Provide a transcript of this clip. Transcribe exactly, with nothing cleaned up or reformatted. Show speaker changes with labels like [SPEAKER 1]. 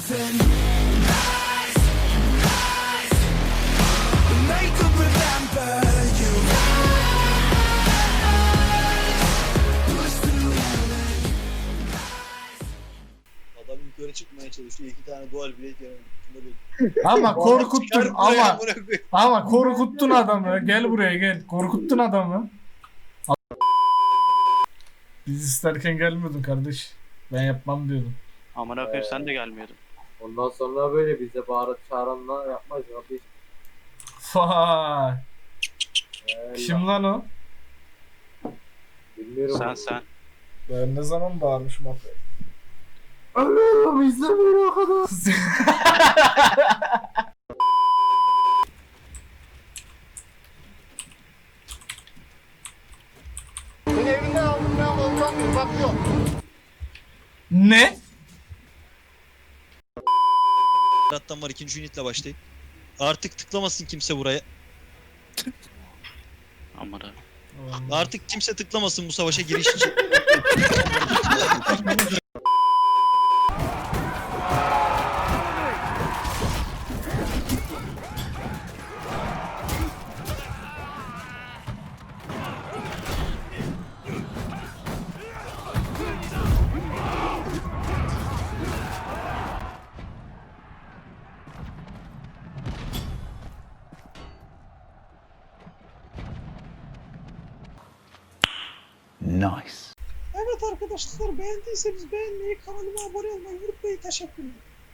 [SPEAKER 1] thousand lies, lies, and they could remember you. Push through hell.
[SPEAKER 2] Adam yukarı çıkmaya çalışıyor. İki tane dual blade yanıyor.
[SPEAKER 3] Ama korkuttun ama
[SPEAKER 2] Bırak be.
[SPEAKER 3] ama korkuttun adamı. Gel buraya gel. Korkuttun adamı. Biz isterken gelmiyordun kardeş. Ben yapmam diyordum.
[SPEAKER 4] Amına koyayım sen de gelmiyordun.
[SPEAKER 5] Ondan sonra böyle bize bağırıp çağıranla yapmaz abi.
[SPEAKER 3] Vay.
[SPEAKER 5] Ee,
[SPEAKER 3] Kim lan o?
[SPEAKER 5] Bilmiyorum.
[SPEAKER 4] Sen sen.
[SPEAKER 3] Ben ne zaman bağırmışım abi?
[SPEAKER 5] Ölüyorum izlemiyorum o kadar.
[SPEAKER 6] Seni evinden aldım ben volkan bir bak yok.
[SPEAKER 3] Ne?
[SPEAKER 2] Rattan var ikinci unitle başlayın. Artık tıklamasın kimse buraya.
[SPEAKER 4] Amına.
[SPEAKER 2] Artık kimse tıklamasın bu savaşa giriş için.
[SPEAKER 1] Evet arkadaşlar, beğendiyseniz beğenmeyi, kanalıma abone olmayı unutmayın. Teşekkürler.